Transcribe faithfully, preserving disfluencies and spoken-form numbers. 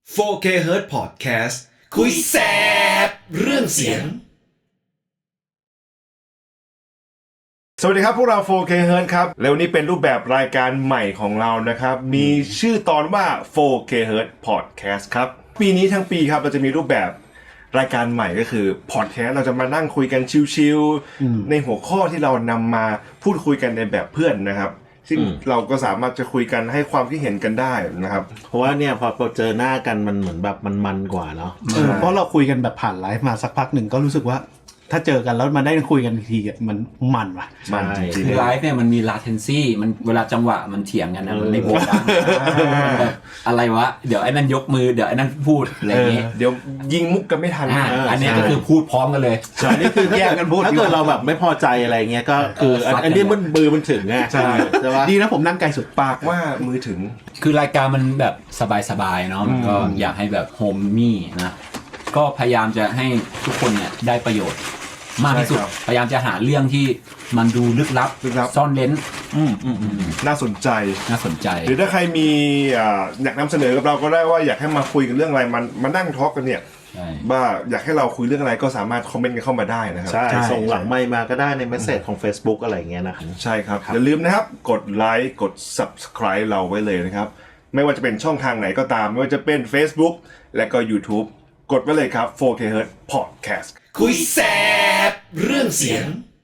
โฟร์ เค Hertz Podcast คุยแซบเรื่องเสียงสวัสดีครับพวกเรา โฟร์ เค Hertz ครับแล้ววันนี้เป็นรูปแบบรายการใหม่ของเรานะครับมีชื่อตอนว่า โฟร์ เค Hertz Podcast ครับปีนี้ทั้งปีครับเราจะมีรูปแบบรายการใหม่ก็คือ Podcast เราจะมานั่งคุยกันชิลๆในหัวข้อที่เรานำมาพูดคุยกันในแบบเพื่อนนะครับซึ่งเราก็สามารถจะคุยกันให้ความคิดเห็นกันได้นะครับเพราะว่าเนี่ยพอเราเจอหน้ากันมันเหมือนแบบมันมันกว่าเนาะเออเพราะเราคุยกันแบบผ่านไลฟ์มาสักพักหนึ่งก็รู้สึกว่าถ้าเจอกันแล้วมาได้คุยกันทีอ่ะมันมันว่ะมันจริงคือไลฟ์เนี่ยมันมี latency มันเวลาจังหวะมันเถียงกันนะมันในโบสถ์แบบอะไรวะเดี๋ยวไอ้นั่นยกมือเดี๋ยวไอ้นั่นพูดอะไรอย่างงี้เดี๋ยวยิงมุกกันไม่ทันอ่าอันนี้ก็คือพูดพร้อมกันเลยอันนี้คือแยกกันพูดถ้าเกิดเราแบบไม่พอใจอะไรเงี้ยก็คืออันซัดกันอันนี้มันมือมันถึงไงใช่ใช่ปะดีนะผมนั่งไกลสุดปากว่ามือถึงคือรายการมันแบบสบายๆเนาะมันก็อยากให้แบบโฮมมี่นะก็พยายามจะให้ทุกคนเนี่ยได้ประโยชน์มากที่สุดใช่ครับพยายามจะหาเรื่องที่มันดูลึกลับลึกลับซ่อนเร้นอืมอืมอืมน่าสนใจน่าสนใจหรือถ้าใครมีอ่าอยากนำเสนอกับเราก็ได้ว่าอยากให้มาคุยกันเรื่องอะไรมันมานั่งทอล์กกันเนี่ยใช่ว่าอยากให้เราคุยเรื่องอะไรก็สามารถคอมเมนต์กันเข้ามาได้นะครับใช่ส่งหลังไมค์มาก็ได้ในเมสเซจของ Facebook อะไรเงี้ยนะครับใช่ครับอย่าลืมนะครับกดไลค์กด Subscribe เราไว้เลยนะครับไม่ว่าจะเป็นช่องทางไหนก็ตามไม่ว่าจะเป็น Facebook และก็ YouTube กดไว้เลยครับ โฟร์ เค Hertz Podcast คุยแซบเรื่องเสียง